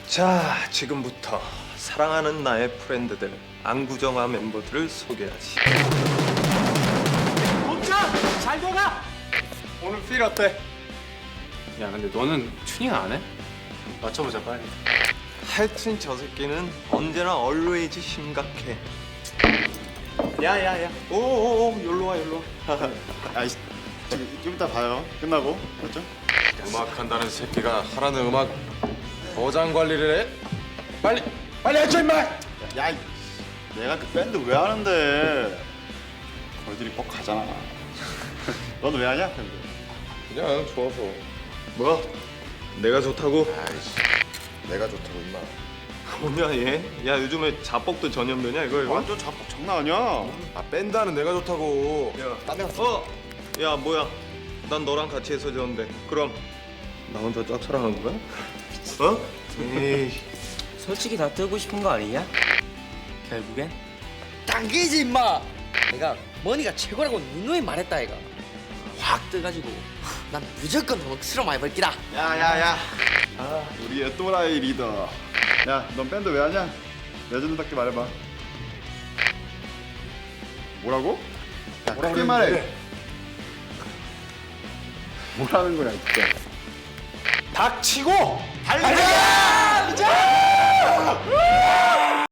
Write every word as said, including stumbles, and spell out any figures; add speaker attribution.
Speaker 1: 자, 지금부터 사랑하는 나의 프렌드들, 안구정화 멤버들을 소개하지.
Speaker 2: 복자 잘 돼가.
Speaker 1: 오늘 필 어때?
Speaker 2: 야 근데 너는 튜닝 안 해? 맞춰보자 빨리.
Speaker 1: 하여튼 저 새끼는 언제나 always 심각해. 야야야, 오오오, 여기로 와, 여기로 와.
Speaker 3: 아이씨, 저기 좀 이따 봐요. 끝나고, 맞죠?
Speaker 4: 음악한다는 새끼가 하라는 음악 보장 관리를 해? 빨리 빨리 해줘 임마!
Speaker 3: 야, 이, 내가 그 밴드 왜 하는데? 걸들이 뻑 가잖아. 너는 왜 하냐, 밴드?
Speaker 4: 그냥 좋아서.
Speaker 1: 뭐야? 내가 좋다고?
Speaker 4: 아이씨 내가 좋다고 임마.
Speaker 1: 뭐냐 얘? 야 요즘에 자뻑도 전염되냐 이거 이거?
Speaker 3: 완전 자뻑 장난 아니야.
Speaker 4: 아 밴드하는 내가 좋다고.
Speaker 1: 야,
Speaker 4: 딴데 가서
Speaker 1: 어? 야 뭐야? 난 너랑 같이 해서 졌는데 그럼 나 혼자 짝사랑한 거야? 어? 에이.
Speaker 5: 솔직히 다 뜨고 싶은 거 아니냐? 결국엔 당기지 임마. 내가 머니가 최고라고 누누이 말했다 이가. 확 뜨가지고 난 무조건 헉스러 많이 벌기다.
Speaker 3: 야야야. 아, 우리의 또라이 리더. 야, 넌 밴드 왜 하냐? 레전드답게 말해봐. 뭐라고? 야, 크게 말해. 뭐라는 거야, 진짜.
Speaker 1: 닥치고
Speaker 3: 달려!